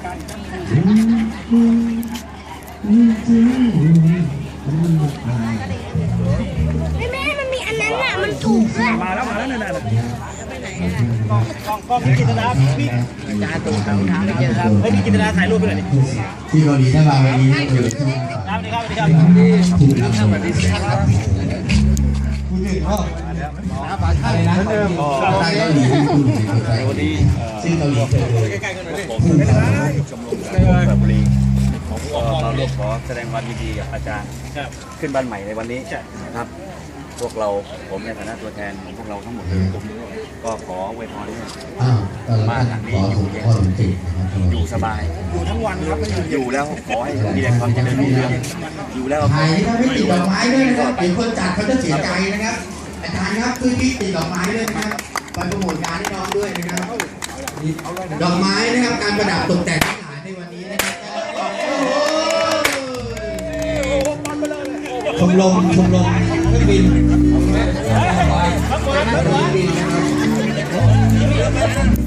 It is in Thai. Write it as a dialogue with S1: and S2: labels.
S1: แม่มันมีอันนั้นน่ะมันถูกด้วย
S2: มาแล้วนั่นกล้องพี่กิตนาพี่จานตูนครับให้พี่กิตนาถ่ายรูปไปหน่อยดิ
S3: ที่เกาหลีถ้ามาวันนี้เดี๋ยวที่
S2: ครับสวัสดีครับ
S3: ถูกนำสวัสดีครับคุณหนึ่งพ่ออะไรนะเกาหลีคุณหนึ่งวันนี้ซึ่งเกาหลี
S2: ผมชมรมแบบบุรีเราเรียกขอแสดงความยินดีกับอาจารย์ขึ้นบ้านใหม่ในวันนี้นะครับพวกเราผมในฐานะตัวแทนของพวกเราทั้งหมดเลยก็ขออวยพรให้บ้านหลังนี้อยู่เย็นอยู่สบายอยู่ทั้งวันครับอยู่แล้วขอให้มีแต่ความเจริญรุ่งเรืองอยู่แล้ว
S3: ถ่ายนี่ถ้าไม่ติดดอกไม้ด้วยนะครับเดี๋ยวคนจัดเขาจะเสียใจนะครับอาจารย์ครับคือที่ติดดอกไม้ด้วยนะครับไปโปรโมทงานให้น้องด้วยนะครับดอกไม้นะครับการประดับตกแต่งทั้งหลายในวันนี้นะครับชมรมเครื่องบินเครื่องบินนะครับ